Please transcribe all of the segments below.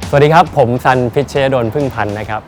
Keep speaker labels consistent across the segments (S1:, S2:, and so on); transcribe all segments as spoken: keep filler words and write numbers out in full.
S1: สวัสดีครับผมซันพิชเชยดลพึ่งพันธ์นะครับ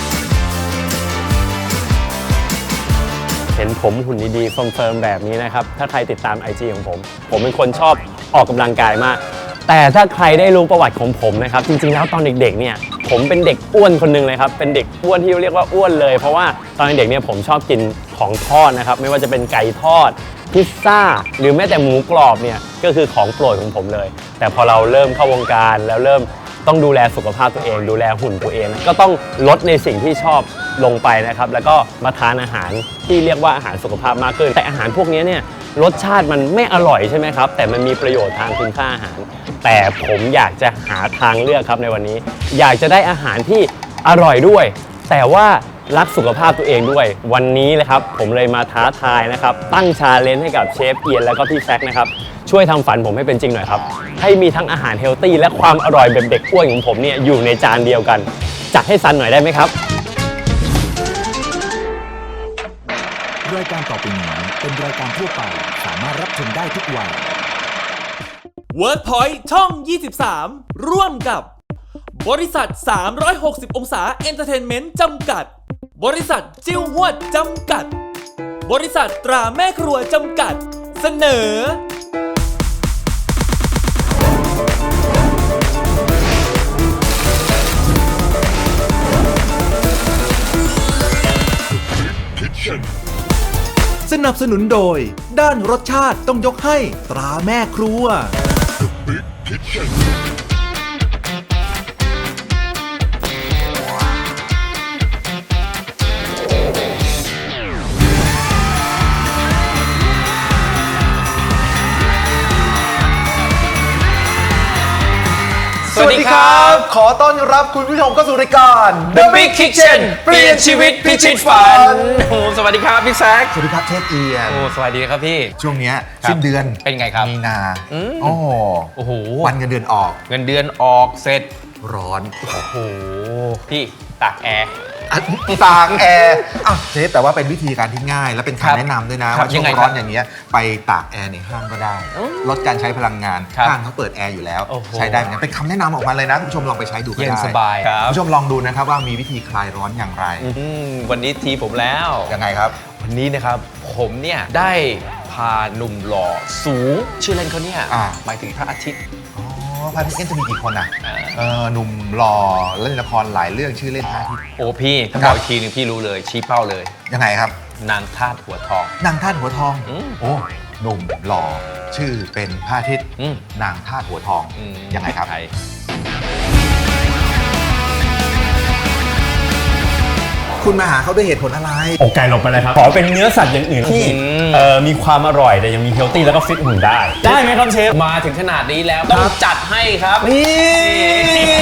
S1: เห็นผมหุ่นดีๆเฟิร์มๆแบบนี้นะครับถ้าใครติดตาม ไอ จี ของผมผมเป็นคนชอบออกกำลังกายมากแต่ถ้าใครได้รู้ประวัติของผมนะครับจริงๆแล้วตอนเด็กๆเนี่ยผมเป็นเด็กอ้วนคนนึงเลยครับเป็นเด็กอ้วนที่เรียกว่าอ้วนเลยเพราะว่าตอนเด็กเนี่ยผมชอบกินของทอดนะครับไม่ว่าจะเป็นไก่ทอดพิซซ่าหรือแม้แต่หมูกรอบเนี่ยก็คือของโปรดของผมเลยแต่พอเราเริ่มเข้าวงการแล้วเริ่มต้องดูแลสุขภาพตัวเองดูแลหุ่นตัวเองก็ต้องลดในสิ่งที่ชอบลงไปนะครับแล้วก็มาทานอาหารที่เรียกว่าอาหารสุขภาพมากขึ้นแต่อาหารพวกนี้เนี่ยรสชาติมันไม่อร่อยใช่ไหมครับแต่มันมีประโยชน์ทางคุณค่าอาหารแต่ผมอยากจะหาทางเลือกครับในวันนี้อยากจะได้อาหารที่อร่อยด้วยแต่ว่ารักสุขภาพตัวเองด้วยวันนี้เลยครับผมเลยมาท้าทายนะครับตั้งชาเลนจ์ให้กับเชฟเอียนแล้วก็พี่แซคนะครับช่วยทำฝันผมให้เป็นจริงหน่อยครับให้มีทั้งอาหารเฮลตี้และความอร่อยแบบเด็กอ้วนของผมเนี่ยอยู่ในจานเดียวกันจัดให้ซันหน่อยได้ไหมครับ
S2: รายการต่อไปนี้เป็นรายการทั่วไปสามารถรับชมได้ทุกวัย
S3: WordPoint ช่อง ยี่สิบสาม ร่วมกับบริษัท สามร้อยหกสิบ องศาเอนเตอร์เทนเมนต์จำกัดบริษัทจิ้วหวดจำกัดบริษัทตราแม่ครัวจำกัดเสนอ
S2: สนับสนุนโดยด้านรสชาติต้องยกให้ตราแม่ครัว
S4: สวัสดีครับขอต้อนรับคุณผู้ชมเข้าสู่รายการ
S1: The Big Kitchen เปลี่ยนชีวิตพิชิตฝันโอ้สวัสดีครับพี่แซค
S4: สวัสดีครับเชฟเอียน
S1: โอ้สวัสดีครับพี่
S4: ช่วงนี้สิ้นเดือน
S1: เป็นไงครับ
S4: มีนาโอ้
S1: โอ้โห
S4: วันเงินเดือนออก
S1: เงินเดือนออกเสร็จ
S4: ร้อน
S1: โอ้โหพี่ตากแอร์
S4: ตากแอร์อ้าวเชฟแต่ว่าเป็นวิธีการที่ง่ายและเป็นคำแนะนำด้วยนะว่าช่วงร้อนอย่างเงี้ยไปตากแอร์ในห้างก็ได้ลดการใช้พลังงานห้างเขาเปิดแอร์อยู่แล้วใช้ได้เหมือนกันเป็นคำแนะนำออกมาเลยนะคุณผู้ชมลองไปใช้ดูก็ได้
S1: เย็นสบาย
S4: คุณผู้ชมลองดูนะครับว่ามีวิธีคลายร้อนอย่างไร
S1: วันนี้ทีผมแล้ว
S4: ยังไงครับ
S1: วันนี้นะครับผมเนี่ยได้พาหนุ่มหล่อสูงชื่อเล่นเขาเนี่ยหมายถึงพระอาทิตย์
S4: พระอาทิตย์จะมีกี่คนอ่ะหนุ่มหล่อเล่นละครหลายเรื่องชื่อเล่นพระอาทิตย์
S1: โอ้พี่ถ้าบอกอีกทีนึงพี่รู้เลยชี้เป้าเลย
S4: ยังไงครับ
S1: นางธาตุหัวทอง
S4: นางธาตุหัวทองโอ้หนุ่มหล่อชื่อเป็นพระอาทิตย์นางธาตุหัวทองยังไงครับคุณมาหาเขาด้วยเหตุผลอะไร
S1: อกไก่หลบไปเลยครับขอเป็นเนื้อสัตว์อย่างอื่นที่มีความอร่อยแต่ยังมีเฮลตี้แล้วก็ฟิตหุ่นได้ได้ไหมครับเชฟมาถึงขนาดนี้แล้วต้องจัดให้ครับนี่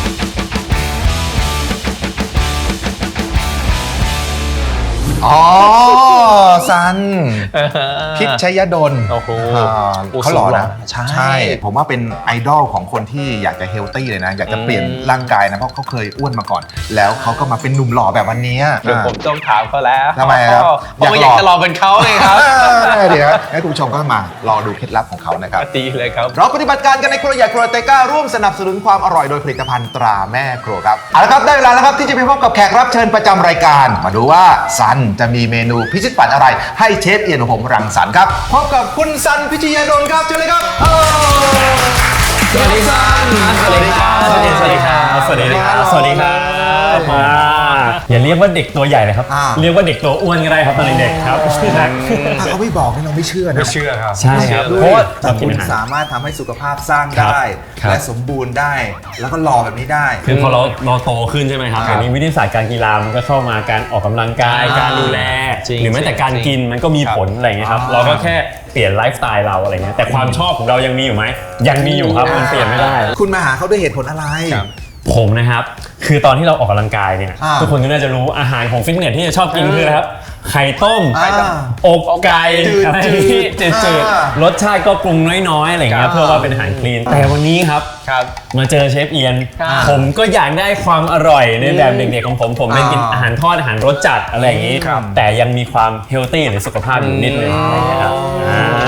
S4: อ๋อซันพิชยดล
S1: โอ้โห
S4: เขาหล่อนะใช่ผมว่าเป็นไอดอลของคนที่อยากจะเฮลตี้เลยนะอยากจะเปลี่ยนร่างกายนะเพราะเขาเคยอ้วนมาก่อนแล้วเขาก็มาเป็นหนุ่มหล่อแบบวันนี้
S1: เดี๋ยวผมต้องถามเขาแล้ว
S4: ทำไมครับ
S1: อยากอยากจะลองเป็นเขาเลยครับ
S4: เดี๋ยวให้คุณผู้ชมก็มารอดูเคล็ดลับของเขานะครับ
S1: ดีเลยครับ
S4: เราปฏิบัติการกันในครัวใหญ่ครัวเตก้าร่วมสนับสนุนความอร่อยโดยผลิตภัณฑ์ตราแม่ครัวครับเอาละครับได้เวลาแล้วครับที่จะไปพบกับแขกรับเชิญประจำรายการมาดูว่าซันจะมีเมนูพิชิตฝันอะไรให้เชฟเอียนของผมรังสรรค์ครับพบกับคุณซันพิชยดลครับเชิญเลยครับ
S1: สวัสดีครับสวัสดีครับสวัสดีครับสวัสดีครับสวัสดีครับมาอย่าเรียกว่าเด็กตัวใหญ่เลยครับเรียกว่าเด็กตัวอ้วนก็ได้ครับตอนเด็กครับ
S4: ถ้าเขาไม่บอกนี่เราไม่เชื่อนะ
S1: ไม่เชื่อครับใช่ครับเพราะว่า
S4: คุณสามารถทำให้สุขภาพสร้างได้และสมบูรณ์ได้แล้วก็หล่อแบบนี้ได้
S1: คือพอเราเราโตขึ้นใช่ไหมครับอย่างนี้วิทยาศาสตร์การกีฬามันก็เข้ามาการออกกำลังกายการดูแลหรือแม้แต่การกินมันก็มีผลอะไรเงี้ยครับเราก็แค่เปลี่ยนไลฟ์สไตล์เราอะไรเงี้ยแต่ความชอบของเรายังมีอยู่ไหมยังมีอยู่ครับมันเปลี่ยนไม่ได้
S4: คุณมาหาเขาด้วยเหตุผลอะไร
S1: ผมนะครับคือตอนที่เราออกกำลังกายเนี่ยทุกคนก็น่าจะรู้อาหารของฟิตเนสที่จะชอบกินคืออะไรครับไข่ต้มอกไก่อะไรที่จืดๆรสชาติก็ปรุงน้อยๆอะไรเงี้ยเพื่อว่าเป็นอาหารคลีนแต่วันนี้ครับมาเจอเชฟเอียนผมก็อยากได้ความอร่อยในแบบเด็กๆของผมผมเป็นกินอาหารทอดอาหารรสจัดอะไรอย่างนี้แต่ยังมีความเฮลตี้หรือสุขภาพอยู่นิดนึงอะไรเงี้ยครับ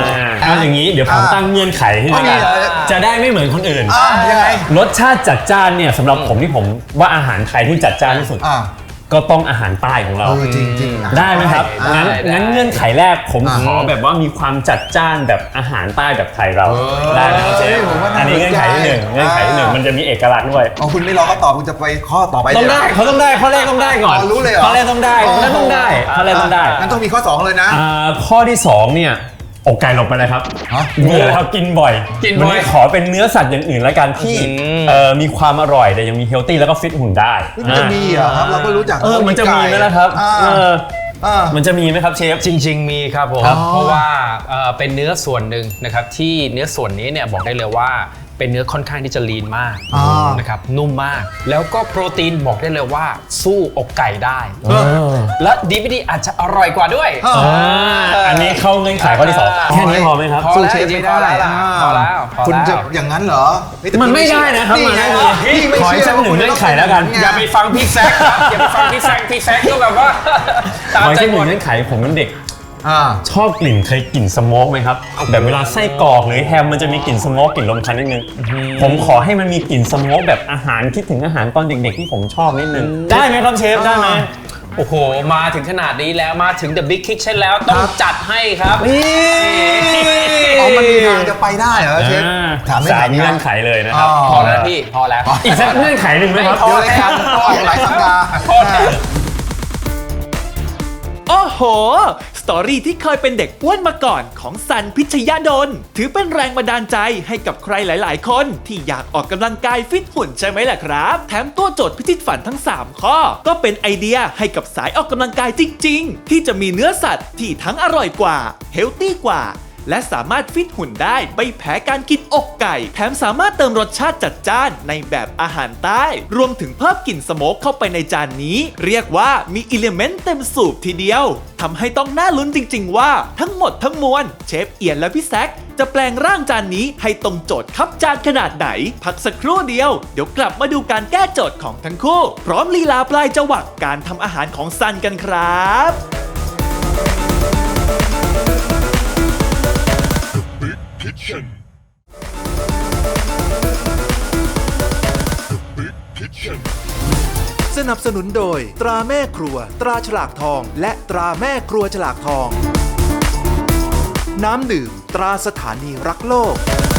S1: เอาอย่างนี้เดี๋ยวผมตั้งเงื่อนไขให้ด้วยกันจะได้ไม่เหมือนคนอื่น
S4: อ่ะยังไง
S1: รสชาติจัดจ้านเนี่ยสำหรับผมที่ผมว่าอาหารไทยที่จัดจ้านที่สุด
S4: อ่า
S1: ก็ต้องอาหารใต้ของเรา
S4: เออจริงๆนะ
S1: ได้ไหมครับ
S4: อ่า
S1: งั้น
S5: ได้
S1: งั้นเงื่อนไขแรกผม
S4: อ่า
S1: ขอแบบว่ามีความจัดจ้านแบบอาหารใต้แบบไทยเรา
S4: เออ
S1: ได้ไหมครับเชฟ
S4: ผมว่าน่า
S1: อันนี้เงื่อนไขที่หนึ่ง
S4: สนใจ
S1: เงื่อนไขที่หนึ่ง
S4: อ่ามั
S1: มันจะมีเอกลักษณ์ด้วย
S4: อ๋อคุณไม่รอเขาตอบคุณจะไปข้อต่อไป
S1: ต้องได้
S4: เลยเหร
S1: เขาต้องได้ข้อแรกต้องได้ก่อน
S4: อ๋อรู้เลยเหรอ
S1: ข้อแรกต้องได้
S4: อ๋อ
S1: นั่นต้องได้ข้อแรกต้องได้
S4: งั้นต้องมีข้อสองเลยนะ
S1: อ่าข้อที่สองเนี่ยอกไก่หลบไปเลยครับ
S4: ฮะ
S1: เบื่อแล้วกินบ่อย
S5: กินบ่อย
S1: วัขอเป็นเนื้อสัตว์อย่างอื่นแล้วกันที่
S5: อืม
S1: เอ่อมีความอร่อยแต่ยังมีเฮลตี้แล้วก็ฟิตหุ่นได้
S4: มันจะมีเหรอครับเราก็รู้จัก
S1: เออมันจะมีไหมล่ะครับ
S4: อ่า
S1: เออ
S4: อ่า
S1: มันจะมีไหมครับเชฟ
S5: จริง ๆ มีครับผม
S4: ครับ
S5: เพราะว่าเอ่อเป็นเนื้อส่วนหนึ่งนะครับที่เนื้อส่วนนี้เนี่ยบอกได้เลยว่าเป็นเนื้อค่อนข้างที่จะลีนมาก
S4: อ่า
S5: นะครับนุ่มมาก แล้วก็โปรตีนบอกได้เลยว่าสู้อกไก่ได้
S1: เออ
S5: และดีไม่ดีอาจจะอร่อยกว่าด้วย
S4: เออ
S1: อ่าอันนี้เข้าเงื่อนไขข้อที่สอง
S5: อ่า
S1: แค่นี้พอไหมครับ
S5: พอ
S4: สู้
S5: แล้ว
S4: เชฟ
S5: จริ
S4: ไม่
S5: งๆ
S4: ได้
S5: พอแล้ว
S4: อ่า
S5: พอแล้วพอ
S4: คุณ
S5: แล้ว
S4: จะอย่างนั้นเหรอเฮ้ยแต่
S1: มันไม่ได้นะครับ
S4: นี่ไง
S1: มันไม่ได้
S4: พี่ไม่
S1: ขอให้
S4: เชื่
S1: สักหนึ่งเงื่อนไขแล้วกัน
S5: อย่าไปฟังพี่แซคครับอย่าไปฟังพี่แซคพี่แซคก็แบบว่าตาม
S1: ขอ
S5: ใจ
S1: ให้สักห
S5: หม
S1: นึ่ง
S5: ด
S1: เงื่อนไขผมเป็นเด็ก
S4: อ่า
S1: ชอบกลิ่นเคยกลิ่นสโมกไหมครับแบบเวลาไส้กรอกหรือแฮมมันจะมีกลิ่นสโมกกลิ่นลมควันนิดนึงผมขอให้มันมีกลิ่นสโมกแบบอาหารคิดถึงอาหารตอนเด็กๆที่ผมชอบนิดนึงได้ไหมครับเชฟได้ไหม
S5: โอ้โหมาถึงขนาดนี้แล้วมาถึง The Big Kitchen แล้วต้องจัดให้ครับ
S4: อ๋อมันมีทางจะไปได้เหรอเชฟ
S1: อ่า
S4: ถามไม่
S1: สาม
S4: ถาม
S1: เงื่อนไขเลยนะครับ
S5: พอแล้วพี่พอแล้ว
S1: อีกสักเงื่อนไขหนึ่งไหมครับ
S5: พอ
S4: เดี๋ยวรายการก็ออกหลายสัปดาห์
S3: โอ้โห สตอรี่ที่เคยเป็นเด็กอ้วนมาก่อนของซันพิชยดล ถือเป็นแรงบันดาลใจให้กับใครหลาย ๆ คนที่อยากออกกำลังกายฟิตหุ่นใช่ไหมล่ะครับ แถมตัวโจทย์พิชิตฝันทั้ง สาม ข้อ ก็เป็นไอเดียให้กับสายออกกำลังกายจริง ๆ ที่จะมีเนื้อสัตว์ที่ทั้งอร่อยกว่าเฮลตี้กว่า และสามารถฟิตหุ่นได้ไม่แพ้การกินอกไก่ แถมสามารถเติมรสชาติจัดจ้านในแบบอาหารใต้ รวมถึงเพิ่มกลิ่นสโมกเข้าไปในจานนี้ เรียกว่ามีอิเลเมนต์เต็มสูบทีเดียวทำให้ต้องน่าลุ้นจริง ๆ ว่าทั้งหมดทั้งมวลเชฟเอียนและพี่แซคจะแปลงร่างจานนี้ให้ตรงโจทย์ครับจานขนาดไหน พักสักครู่เดียวเดี๋ยวกลับมาดูการแก้โจทย์ของทั้งคู่ พร้อมลีลาปลายจวักการทำอาหารของซันกันครับ
S2: สนับสนุนโดยตราแม่ครัว ตราฉลากทอง และตราแม่ครัวฉลากทอง น้ำดื่ม ตราสถานีรักโลก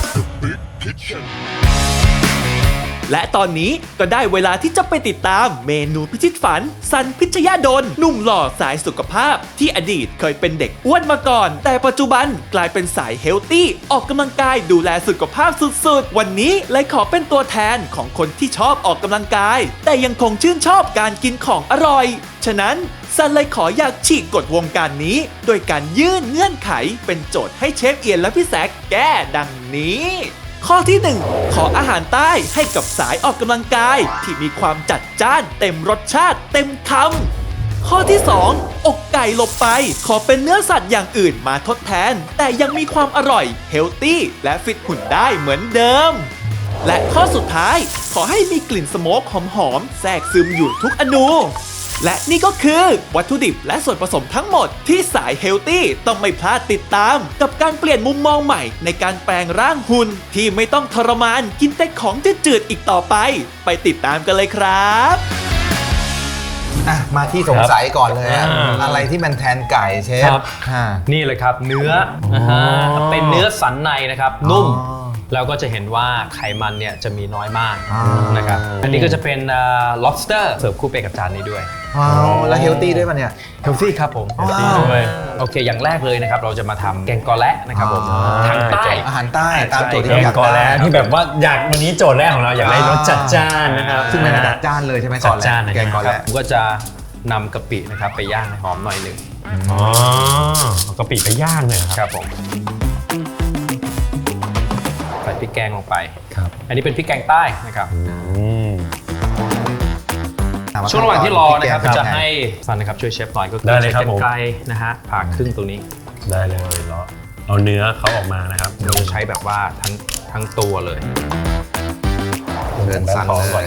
S3: และตอนนี้ก็ได้เวลาที่จะไปติดตามเมนูพิชิตฝันซันพิชยดลหนุ่มหล่อสายสุขภาพ ที่อดีตเคยเป็นเด็กอ้วนมาก่อน แต่ปัจจุบันกลายเป็นสายเฮลตี้ออกกำลังกายดูแลสุขภาพสุดๆ วันนี้เลยขอเป็นตัวแทนของคนที่ชอบออกกำลังกาย แต่ยังคงชื่นชอบการกินของอร่อย ฉะนั้นซันเลยขออยากฉีกกฎวงการนี้ โดยการยื่นเงื่อนไขเป็นโจทย์ให้เชฟเอียนและพี่แซคแก้ดังนี้ ข้อที่หนึ่งขออาหารใต้ให้กับสายออกกำลังกายที่มีความจัดจ้านเต็มรสชาติเต็มคำข้อที่สองอกไก่หลบไปขอเป็นเนื้อสัตว์อย่างอื่นมาทดแทน แต่ยังมีความอร่อยเฮลตี้และฟิตหุ่นได้เหมือนเดิม และข้อสุดท้ายขอให้มีกลิ่นสโมกหอมๆแทรกซึมอยู่ทุกอนู และนี่ก็คือวัตถุดิบและส่วนผสมทั้งหมดที่สายเฮลตี้ต้องไม่พลาดติดตาม กับการเปลี่ยนมุมมองใหม่ในการแปลงร่างหุ่นที่ไม่ต้องทรมานกินแต่ของจืดๆอีกต่อไป ไปติดตามกันเลยครับ
S4: อ่ะมาที่สงสัยก่อนเลยอะ
S1: อ่า
S4: อะไรที่มันแทนไก่เชฟ
S1: ครับ
S4: อ่า
S5: นี่เลยครับเนื้อ
S1: อ๋อ
S5: นะฮะเป็นเนื้อสันในนะครับ นุ่ม
S4: อ๋อ
S5: แล้วก็จะเห็นว่าไขมันเนี่ยจะมีน้อยมาก
S4: อ่าน
S5: นะครับอันนี้ก็จะเป็นเอ่อ lobster เสิร์ฟคู่ไปกับจานนี้ด้วย
S4: ว้าวแล้วเฮลตี้ด้วยป่ะเนี่ย
S5: healthy ครับผม
S4: ว้าว
S1: ด้วย
S5: โอเค อย่างแรกเลยนะครับ เราจะมาทำแกงกอแระนะครับผม
S4: อ๋อ
S5: ทางใต้
S4: อาหารใต้ตามโจทย์ที่
S1: แก
S4: เรา
S1: ง
S4: อยาก
S1: กอ
S4: ได้
S1: แล้วที่แบบว่าอยากวันนี้โจทย์แรกของเราอยากได้รสจัดจ้านนะครับ
S4: ซึ่งมันจัดจ้านเลยใช่ไหม
S1: จั
S4: ก่อ
S1: ด
S4: น
S1: จ้าน
S4: แล้
S1: นะ
S4: แกงก่อน
S5: ครับ
S4: แล้ว
S5: ผมก็จะนำกะปินะครับไปย่างให้หอมหน่อยหนึ่ง
S1: อ๋อเอากะปิไปย่างเลยเหรอ
S5: ค
S1: ครับ
S5: รับผมใส่พริกแกงลงไป
S1: ครับ
S5: อันนี้เป็นพริกแกงใต้นะครับ
S1: อืม
S5: ช่วงระหว่างที่รอนะครับ
S4: พี่แกง
S5: จะให้ซันนะครับช่วยเชฟหน่อยก็คือ
S1: ได้เลยครับ
S5: ใช้
S1: ผม
S5: กรรไกรนะฮะผ่าครึ่งตรงนี้
S1: ได้เลยแล้วเอาเนื้อเขาออกมานะครับ
S5: เราจะใช้แบบว่าทั้งทั้งตัวเลย
S4: เดินสั่นเลย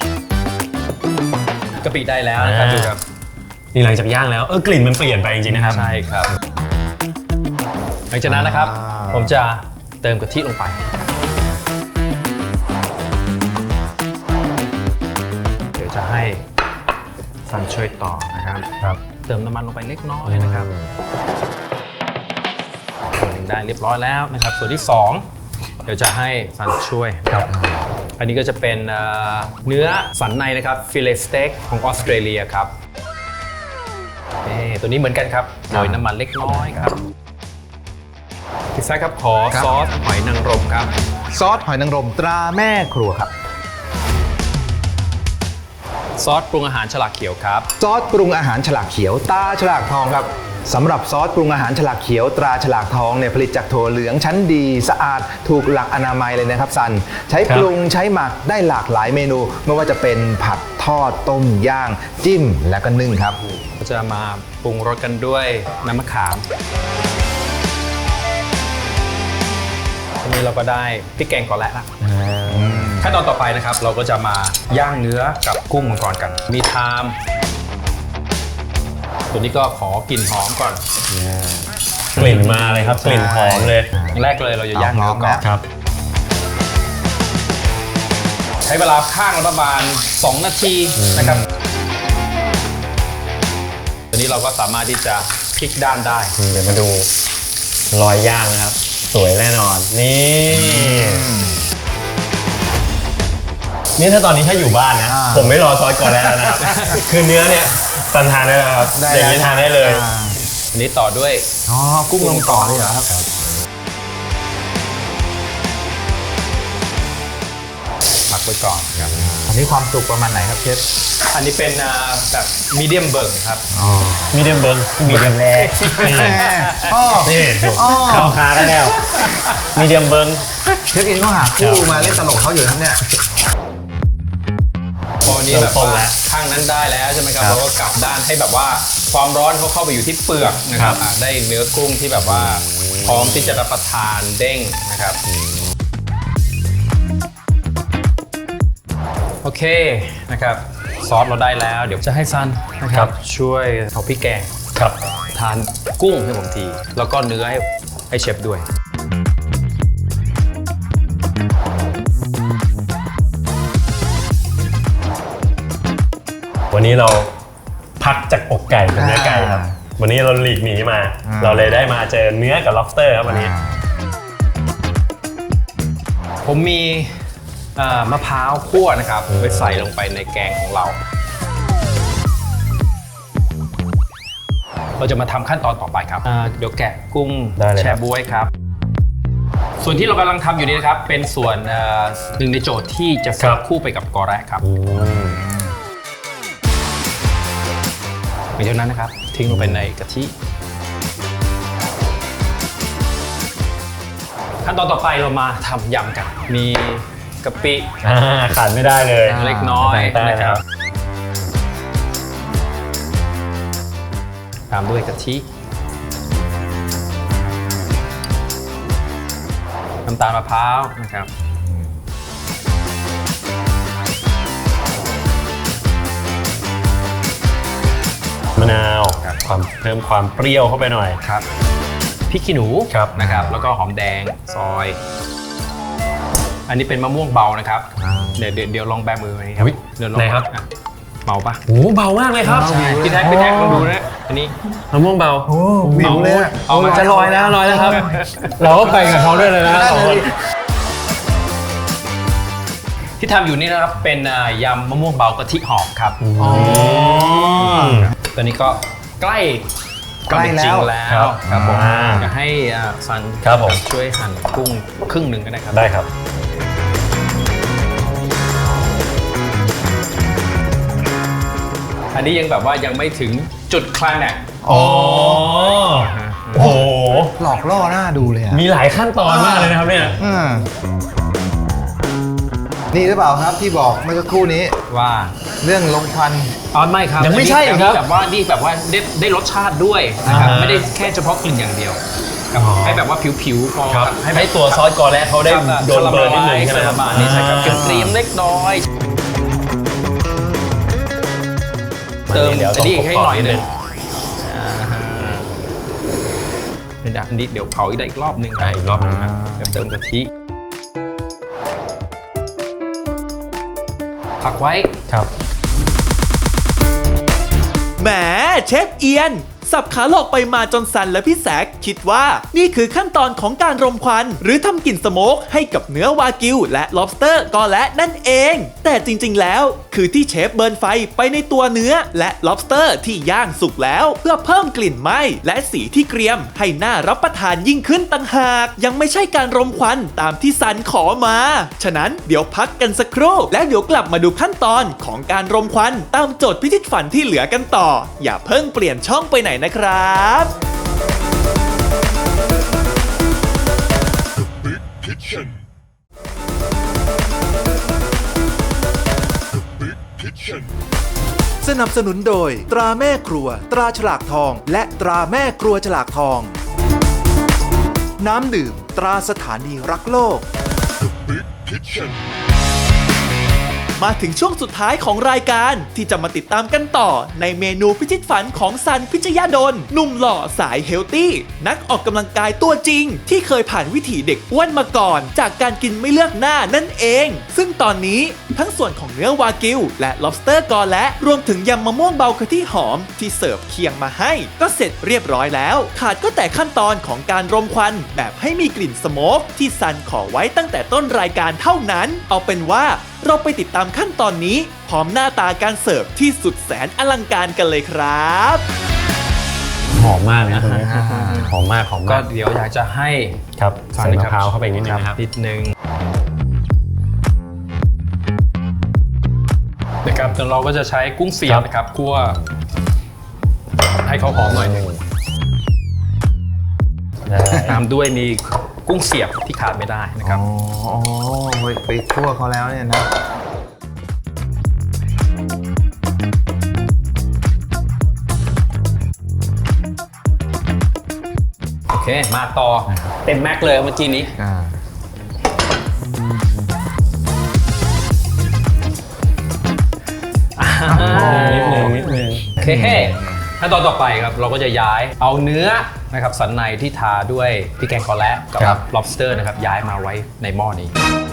S5: กะปิได้แล้วนะครับ
S1: อ่า
S5: ดูครับ
S1: นี่หลังจากย่างแล้วเออกลิ่นมันเปลี่ยนไปจริงๆนะครับ
S5: ใช่ครับหลังจากนั้นนะครับ
S4: อ่า
S5: ผมจะเติมกะทิลงไปเดี๋ยวจะให้ซันช่วยต่อนะครับ
S1: ครับ
S5: เติมน้ำมันลงไปเล็กน้อยนะครับส่วนหนึ่งได้เรียบร้อยแล้วนะครับ ส่วนที่สองเดี๋ยวจะให้ซันช่วยครับ อันนี้ก็จะเป็นเอ่อเนื้อสันในนะครับฟิเลสเต็กของออสเตรเลียครับนี่ตัวนี้เหมือนกันครับโรยน้ำมันเล็กน้อยครับพิซซ่าครับขอ
S4: ครับ
S5: ซอสหอยนางรมครับ
S4: ซอสหอยนางรมตราแม่ครัวครับ
S5: ซอสปรุงอาหารฉลากเขียวครับ
S4: ซอสปรุงอาหารฉลากเขียวตราฉลากทองครับสำหรับซอสปรุงอาหารฉลากเขียวตราฉลากทองเนี่ยผลิตจากถั่วเหลืองชั้นดีสะอาดถูกหลักอนามัยเลยนะครับซันใช้
S1: ครับ
S4: ปรุงใช้หมักได้หลากหลายเมนู ไม่ว่าจะเป็นผัดทอดต้มย่าง จิ้มและก็นึ่งครับ
S5: ก็จะมาปรุงรสกันด้วยน้ำมะขามทีนี้เราก็ได้พริกแกงก่อนแล้วละขั้นตอนต่อไปนะครับ เราก็จะมาย่างเนื้อกับกุ้งมังกรกัน มีไทม์ตัวนี้ก็ขอกลิ่นหอมก่อน
S1: กลิ่นมาเลยครับ กลิ่นหอมเลย
S5: อย่างแรกเลยเราจะย่างเนื้อก่อน
S1: ครับ
S5: ใช้เวลาข้างละประมาณสองนาทีนะครับตัวนี้เราก็สามารถที่จะพลิกด้านได้
S1: เดี๋ยวมาดูรอยย่างนะครับ สวยแน่นอน นี่ นี่ถ้าตอนนี้ถ้าอยู่บ้านนะ
S4: อ่า
S1: ผมไม่รอซอสก่อนแล้วนะครับ คือเนื้อเนี่ยตันทานได้แล้วครับ
S4: ได้
S1: อย่างนี้
S4: แล้ว
S1: ทานได้เลย
S5: อันนี้ต่อด้วย
S4: อ๋อกุ้งลงต่อเลยเหรอครับ
S5: หมักไว้ก่อนครับ
S4: อันนี้ความสุกประมาณไหนครับเชฟ
S5: อันนี้เป็นอ่าแบบมีเดียมเบิร์กครับ
S1: มีเดียมเบิร์มีเดียมแรกนี่
S4: อ๋อ
S1: นี่ดู
S4: อ๋อ
S1: เข้าคากันแล้ว มีเดียมเบิร์
S4: เชฟเองก็หาคู่มาเล่นตลกเขาอยู่ครับเนี่ย
S5: พอนี้แบบ
S1: เริ่มต้น
S5: ว่า
S1: แล้ว
S5: ข้างนั้นได้แล้วใช่ไหมครับ
S1: ครับ
S5: เราก็กลับด้านให้แบบว่าความร้อนเขาเข้าไปอยู่ที่เปลือกนะครับ
S1: ครับ
S5: อ่ะได้เนื้อกุ้งที่แบบว่าพร้อมที่จะรับประทานเด้งนะครับโอเคนะครับซอสเราได้แล้ว เดี๋ยวจะให้ซันนะครับช่วยเอาพริกแกง
S1: ครับ
S5: ทานกุ้งให้ผมที แล้วก็เนื้อให้ให้เชฟด้วย
S1: วันนี้เราพักจากอกไก่เป็นเนื้อไก่ครับ วันนี้เราหลีกหนีมา
S4: อ่า
S1: เราเลยได้มาเจอเนื้อกับ lobster ครับวันนี้
S5: ผมมีเอ่อมะพร้าวคั่วนะครับไปใส่ลงไปในแกงของเรา เราจะมาทำขั้นตอนต่อไปครับอ่าเดี๋ยวแกะกุ้ง
S1: ได้เลยครับ
S5: แช่บ๊วยครับ ส่วนที่เรากำลังทำอยู่นี้นะครับ เป็นส่วนเอ่อหนึ่งในโจทย์ที่จะเสิร์ฟคู่ไปกับกอแระครับหลังจากนั้นนะครับ ทิ้งลงไปในกะทิ ขั้นตอนต่อไปเรามาทำยำกัน มีกะปิ
S1: อ่าขาดไม่ได้เลย
S5: เล็กน้อย
S1: ได้
S5: นะ
S1: ค
S5: ค
S1: รั
S5: รับ บ ตามด้วยกะทิน้ำตาลมะพร้าวนะครับ
S1: มะนาวความเพิ่มความเปรี้ยวเข้าไปหน่อย
S5: ครับพริกขี้หนู
S1: ครับ
S5: นะครับ แล้วก็หอมแดงซอย อันนี้เป็นมะม่วงเบานะครับเดี๋ยวเดี๋ยวเดี๋ยวลองแบมือไว้ครับ
S1: อุ๊ย
S5: เดี๋ยวลอง
S1: ไหนครับ
S5: อ่ะเบาปะ
S1: โอ้เบามากเลยครับ
S5: พี่แท็กพี่แท็กลองดูนะอันนี้
S1: มะม่วงเบา
S4: โอ้วิวเลยอะ
S5: เอามา
S1: จะลอยแล้วลอยแล้วครับ เราก็ไปกับเขาด้วยเลยนะสองคน
S5: ที่ทำอยู่นี่นะครับเป็นอ่ายำมะม่วงเบากะทิหอมครับ
S1: อ๋อ
S5: ตอนนี้ก็ใกล้
S4: ใกล้แล้ว
S5: จริงแล้ว
S1: ครับ
S5: ครับผม
S1: อ่า
S5: อยากให้อ่าซัน
S1: ครับผม
S5: ช่วยหั่นกุ้งครึ่งหนึ่งก็ได้ครับ
S1: ได้ครับ
S5: อันนี้ยังแบบว่ายังไม่ถึงจุดคลายแม็กซ์
S1: อ๋อ โอ้โห
S4: หลอกล่อหน้าดูเลยอ่ะ
S1: มีหลายขั้นตอนมากเลยนะครับเนี่ย
S4: อืมนี่หรือเปล่าครับที่บอกเมื่อสักครู่นี้
S5: ว่า
S4: เรื่องลมควัน
S5: อ๋อไม่ครับ
S1: ยังไม่ใช่
S5: อัน
S1: ครั
S5: นี้
S1: บ
S5: แบบว่านี่แบบว่าได้ได้รสชาติด้วยนะครับ
S1: อ่าฮะ
S5: ไม่ได้แค่เฉพาะกลิ่นอย่างเดียวครับ
S1: อ๋อ
S5: ให้แบบว่าผิวๆพอ
S1: ครับ
S5: ให้
S1: ให้ตัวซอสกอแรกเขาได้
S5: ครับ
S1: โดนเบิร์นนิดนึงใช่ไหมครับ
S5: ประมาณนี้ใช่ครับเกรียมๆเล็กน้อย เติม
S1: ดี๋ยว
S5: อันนี้ให้หน่อยหนึง
S1: ต้ง
S5: อ่าฮะเป็นอันนี้เดี๋ยวเผาอีกได้อีกรอบหนึ่งได้อีกรอบหนึงนะเดี๋ยวเติมกะทิพักไว้
S1: ครับ
S3: แหมเชฟเอียน สับขาหลอกไปมาจนสันและพี่แซกคิดว่านี่คือขั้นตอนของการรมควันหรือทำกลิ่นสโมกให้กับเนื้อวากิวและ lobster ก็และนั่นเอง แต่จริงๆแล้วคือที่เชฟเบิร์นไฟไปในตัวเนื้อและ lobster ที่ย่างสุกแล้วเพื่อเพิ่มกลิ่นไหม้และสีที่เกรียมให้น่ารับประทานยิ่งขึ้นต่างหากยังไม่ใช่การรมควันตามที่สันขอมาฉะนั้นเดี๋ยวพักกันสักครู่แล้วเดี๋ยวกลับมาดูขั้นตอนของการรมควันตามโจทย์พิชิตฝันที่เหลือกันต่ออย่าเพิ่งเปลี่ยนช่องไปไหนนะครับ
S2: สนับสนุนโดยตราแม่ครัวตราฉลากทองและตราแม่ครัวฉลากทอง น้ำดื่มตราสถานีรักโลก
S3: มาถึงช่วงสุดท้ายของรายการที่จะมาติดตามกันต่อในเมนูพิชิตฝันของซันพิชยาดลหนุ่มหล่อสายเฮลตี้นักออกกำลังกายตัวจริงที่เคยผ่านวิถีเด็กอ้วนมาก่อนจากการกินไม่เลือกหน้านั่นเองซึ่งตอนนี้ทั้งส่วนของเนื้อวากิวและ lobster กอและรวมถึงยำมะม่วงเบากะทิหอมที่เสิร์ฟเคียงมาให้ก็เสร็จเรียบร้อยแล้วขาดก็แต่ขั้นตอนของการรมควันแบบให้มีกลิ่นสโมกที่ซันขอไว้ตั้งแต่ต้นรายการเท่านั้นเอาเป็นว่าเราไปติดตามขั้นตอนนี้พร้อมหน้าตาการเสิร์ฟที่สุดแสนอลังการกันเลยครับ
S1: หอมมากนะหอมมากหอม
S5: ก็
S1: มาก
S5: เดี๋ยวอยากจะให้
S1: ครับใส่มะพร้าวเข้าไปนิดนึงนะครับ
S5: นิดนึงนะครับแล้วเราก็จะใช้กุ้งเสียบนะครับคั่วให้เขาหอมหน่อยหนึงตามด้วยมีกุ้งเสียบที่ขาดไม่ได้นะครับ
S4: อ๋อไปคั่วเขาแล้วเนี่ยนะ
S5: โอเคมาต่อเต็มแม็กเลยเมื่อกี้นี้
S4: อ่า
S1: นิดนึงนิดนึง
S5: โอเคขั้นตอนต่อไปครับเราก็จะย้ายเอาเนื้อนะครับสันในที่ทาด้วยพริกแกงกอและกับ lobster นะครับย้ายมาไว้ในหม้อนี้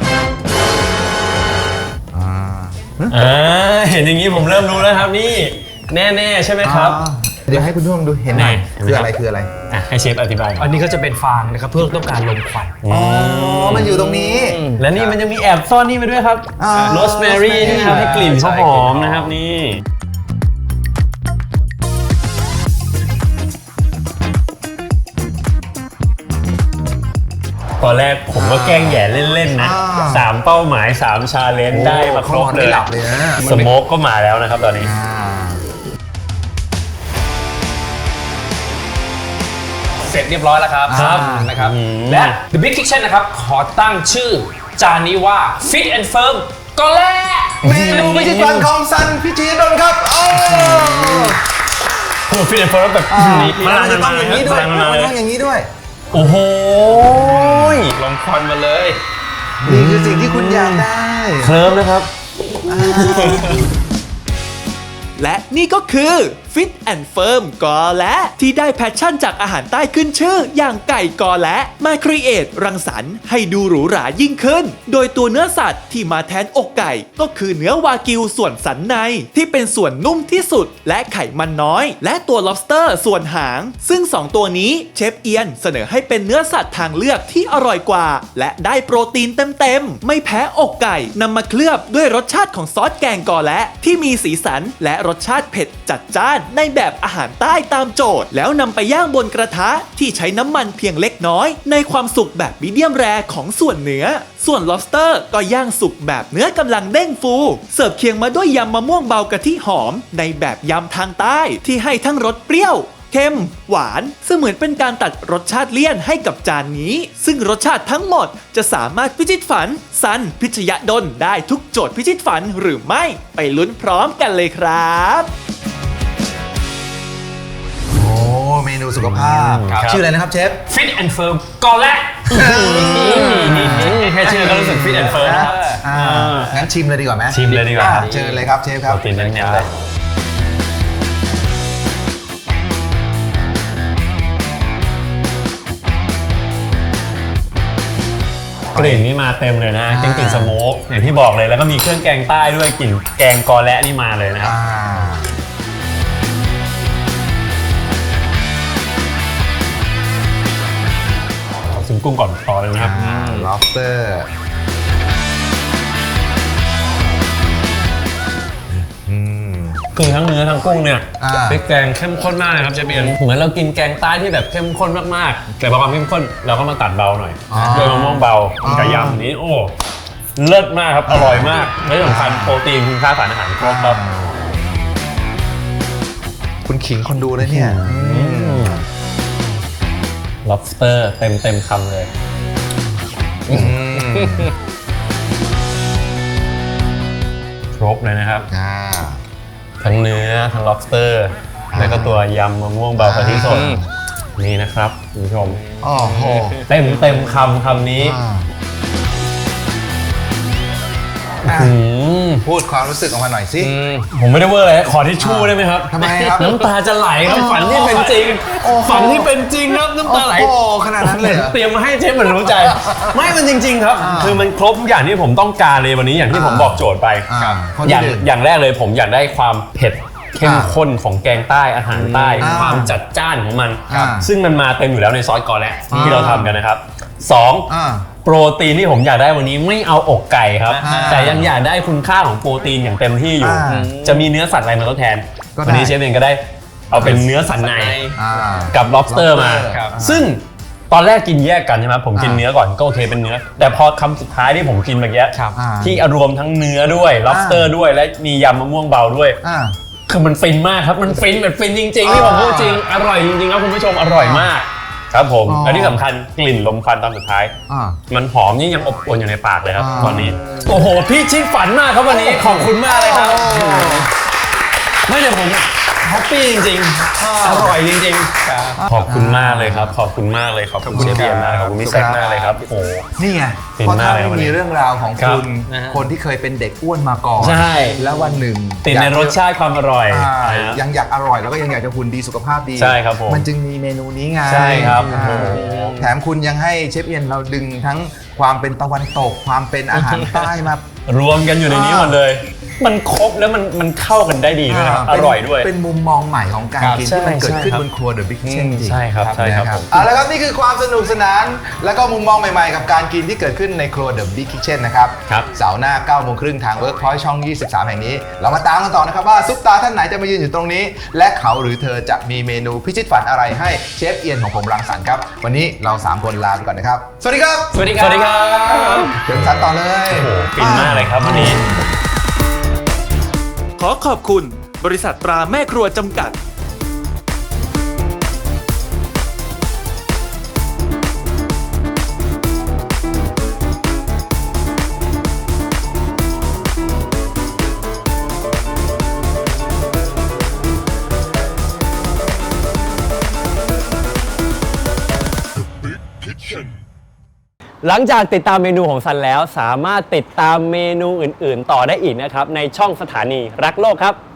S4: อ่า
S1: อ่าเห็นอย่างนี้ผมเริ่มรู้แล้วครับนี่แน่ๆใช่ไหมครับ
S4: อ่าเดี๋ยวให้คุณผู้ชมดูเห็นหน่อย
S1: ไหน
S4: คืออะไรคืออะไร
S1: อ่ะให้เชฟอธิบายหน่อย
S5: อันนี้ก็จะเป็นฟางนะครับเพื่อต้องการลมควัน
S4: อ๋อ มันอยู่ตรงนี้
S1: และนี่มันยังมีแอบซ่อนนี่มาด้วยครับ
S4: อ่า
S1: โรสแมรี่ที่ทำให้กลิ่นเขาหอมนะครับนี่ตอนแรกผมก็แกล้งแหย่เล่นๆนะ
S4: อ่า
S1: สามเป้าหมายสามชาเลนจ์ได้มาครบเลย
S4: ไม่หลับเลยนะ
S1: สโมกก็มาแล้วนะครับตอนนี้
S4: อ่า
S5: เสร็จเรียบร้อยแล้วครับ
S4: ครับ
S5: นะครับ
S1: อืม
S5: และ The Big Kitchen นะครับขอตั้งชื่อจานนี้ว่า Fit and Firm ก็แล
S4: เมนูพิชิตฝันของซันพิชิตดลครับโอ้
S1: พูดฟิตเนสเฟิร์สแบบนี้
S4: มันจะต้องอย่างนี้ด้วย
S1: มั
S4: มัน
S1: มาเลย
S4: ต้องอย่างนี้ด้วย
S1: โอ้โห
S5: ลมควันมาเลย
S4: นี่คือสิ่งที่คุณอยากได้
S1: เคลิ้มนะครับ
S3: และนี่ก็คือ Fit and Firm กอและที่ได้แพชชั่นจากอาหารใต้ขึ้นชื่ออย่างไก่กอและมาครีเอทรังสรรค์ให้ดูหรูหรายิ่งขึ้น โดยตัวเนื้อสัตว์ที่มาแทนอกไก่ก็คือเนื้อวากิวส่วนสันในที่เป็นส่วนนุ่มที่สุดและไขมันน้อย และตัว lobster ส่วนหาง ซึ่งสองตัวนี้เชฟเอียนเสนอให้เป็นเนื้อสัตว์ทางเลือกที่อร่อยกว่า และได้โปรตีนเต็มๆไม่แพ้อกไก่นำมาเคลือบด้วยรสชาติของซอสแกงกอและที่มีสีสันและรสชาติเผ็ดจัดจ้านในแบบอาหารใต้ตามโจทย์แล้วนำไปย่างบนกระทะที่ใช้น้ำมันเพียงเล็กน้อยในความสุกแบบมีเดียมแรร์ของส่วนเนื้อส่วน lobster ก็ย่างสุกแบบเนื้อกำลังเด้งฟูเสิร์ฟเคียงมาด้วยยำมะม่วงเบากะทิหอมในแบบยำทางใต้ที่ให้ทั้งรสเปรี้ยวเค็มหวานเสมือนเป็นการตัดรสชาติเลี่ยนให้กับจานนี้ซึ่งรสชาติทั้งหมดจะสามารถพิชิตฝันซันพิชยดลได้ทุกโจทย์พิชิตฝันหรือไม่ไปลุ้นพร้อมกันเลยครับ
S4: โอ้เมนูสุขภาพ
S5: ครับ
S4: ชื่ออะไรนะครับเชฟ
S5: Fit and Firm ก็แล
S1: แค่ชื่อก็รู้สึกฟิตแอนด์เฟิร์มนะครับ
S4: อ่างั้นชิมเลยดีกว่าไหม
S1: ชิมเลยดีกว่า
S4: อ่เชิญเลยครับเชฟครับ
S1: โปรตีนเน้นๆเลย
S5: อ
S1: กลิ่นนี่มาเต็มเลยนะกลิ่นกลิ่นสโมกอย่างที่บอกเลยแล้วก็มีเครื่องแกงใต้ด้วยกลิ่นแกงกอและนี่มาเลยนะครับ
S4: อ่า
S1: ถึงกุ้งก่อนต่อเลยนะครับ
S4: อ่า lobster อืม
S1: คือทั้งเนื้อทั้งกุ้งเนี่ย
S4: อ่า
S1: พริกแกงเข้มข้นมากเลยครับเชฟเอียนเหมือนเรากินแกงใต้ที่แบบเข้มข้นมากๆแต่พอความเข้มข้นเราก็มาตัดเบาหน่อย
S4: อ่า
S1: ด้วยมะม่วงเบา
S4: อ่า
S1: กับยำนี้โอ้เลิศมากครับอร่อยมากและที่สำคัญโปรตีนคุณค่าสารอาหารครบครับ
S4: คุณขิงคนดูเลยเนี่ย
S1: lobster เต็มเต็มคำเลยครบเลยนะครับ
S4: อ่า
S1: ทั้งเนื้อทั้ง lobster แล้วก็ตัวยำมะม่วงเบากะทิสดนี่นะครับคุณผู้ชม
S4: โอ้โห
S1: เต็มเต็มคำคำนี้
S4: อ่า
S1: อืม
S4: พูดความรู้สึกออกมาหน่อยสิ
S1: ผมไม่ได้เวอร์เลยขอทิชชู่ได้ไหมครับ
S4: ทำไมครับ
S1: น้ำตาจะไหลครับฝันที่เป็นจริง
S4: โอ้โห
S1: ฝันที่เป็นจริงครับน้ำตาไหล
S4: โอ้โหขนาดนั้นเลยเหรอ
S1: เตรียมมาให้เชฟเหมือนรู้ใจ ไม่มันจริง ๆ ครับ
S4: อ่า
S1: คือมันครบทุกอย่างที่ผมต้องการเลยวันนี้อย่างที่ผมบอกโจทย์ไป
S4: อ่าข้อ
S1: อ
S4: ที่
S1: ย่าง
S4: หนึ่ง
S1: อย่างแรกเลยผมอยากได้ความเผ็ดเข้ม
S4: อ่า
S1: ข้นของแกงใต้อาหารใต้
S4: อ่า
S1: ความจัดจ้านของมัน
S4: ครับ
S1: ซึ่งมันมาเต็มอยู่แล้วในซอสกอแระ
S4: อ่า
S1: ที่เราทำกันนะครับสอง
S4: อ่า
S1: โปรตีนที่ผมอยากได้วันนี้ไม่เอาอกไก่ครับ
S4: อ่า
S1: แต่ยังอยากได้คุณค่าของโปรตีนอย่างเต็มที่อยู่
S4: อ่า
S1: จะมีเนื้อสัตว์อะไรมาทดแทน
S4: ก็ได้
S1: วันนี้เชฟเองก็ได้เอาเป็นเนื้อสันใน
S4: อ่า
S1: กับ lobster มา
S5: ครับ
S1: ซึ่งตอนแรกกินแยกกันใช่ไหมผมกิน
S4: อ่า
S1: เนื้อก่อนก็โอเคเป็นเนื้อ แต่พอคำสุดท้ายที่ผมกินเมื่อกี้
S5: ครับ
S4: อ่า
S1: ที่รวมทั้งเนื้อด้วย lobster ด้วยและมียำมะม่วงเบาด้วย
S4: อ่า
S1: คือมันฟินมากครับ มันฟินแบบฟินจริงๆที่ผมพูดจริง อร่อยจริงๆครับคุณผู้ชมอร่อยมาก ครับผม
S4: อ๋อ
S1: และที่สำคัญกลิ่นลมควันตอนสุดท้าย
S4: อ่า
S1: มันหอมนี่ยังอบอวนอยู่ในปากเลยครับ
S4: อ่า
S1: ตอนนี้ โอ้โห พี่ชิดฝันมากครับวันนี้ขอบคุณมากเลยครับ ไม่เดี๋ยวผมแฮปปี้จริงๆ อร่อยจริงๆ ขอบคุณมากเลยครับ ขอบคุณมากเลยขอบคุณเชฟเบียร์มากขอบคุณพี่แซคมากเลยครับโอ้โห
S4: นี่ไง
S1: ฟิน
S4: เพราะ
S1: มา
S4: ถ้าก
S1: เลย
S4: ไม่
S1: วันนี้
S4: มีเรื่องราวของ
S1: ครับ
S4: คุณ
S5: นะฮะ
S4: คนที่เคยเป็นเด็กอ้วนมาก่อน
S1: ใช่
S4: แล้ววันหนึ่ง
S1: ติดในรสชาติความอร่อย
S4: อ่า
S1: นะฮะ
S4: ยังอยากอร่อยแล้วก็ยังอยากจะหุ่นดีสุขภาพดี
S1: ใช่ครับผม
S4: มันจึงมีเมนูนี้ไง
S1: ใช่ครับ
S4: อ่า
S1: โอ้โห
S4: แถมคุณยังให้เชฟเอียนเราดึงทั้งความเป็นตะวันตก ความเป็นอาหารใต้มาร
S1: วมกันอยู่ในนี้หมดเลย มันครบแล้วมันมันเข้ากันได้ดีด้วยนะครับ อ
S4: เป็น
S1: ร่อยด้วย
S4: เป็นมุมมองใหม่ของการ
S1: ครับ
S4: กิน
S1: ใช่
S4: ที่มันเกิดขึ้น
S1: ใช่ครับ
S4: บนครัวเดอะบิ๊กเช่นจริง
S1: ใช่ครับใช่ครับ
S4: นะ
S1: ผม
S4: เอาละครับนี่คือความสนุกสนาน และก็มุมมองใหม่ๆ กับการกินที่เกิดขึ้นในครัว The Big Kitchen นะครับ
S1: ครับ
S4: เสาร์หน้าเก้าโมงครึ่งทาง Workpoint ช่อง ยี่สิบสาม แห่งนี้ เรามาตามกันต่อนะครับว่าซุปตาท่านไหนจะมายืนอยู่ตรงนี้ และเขาหรือเธอจะมีเมนูพิชิตฝันอะไรให้เชฟเอียนของผมรังสรรค์ครับ วันนี้เราสามคนลาไปก่อนนะครับ สวัสดีครับ
S1: สวัสดีครับ สวัสดีครับ
S4: เชิญสันต่อเลย
S1: โอ้โหฟินมากเลยครับวันนี้
S3: ขอขอบคุณบริษัทตราแม่ครัวจำกัด
S1: หลังจากติดตามเมนูของซันแล้วสามารถติดตามเมนูอื่นๆ ต่อได้อีกนะครับ ในช่องสถานีรักโลกครับ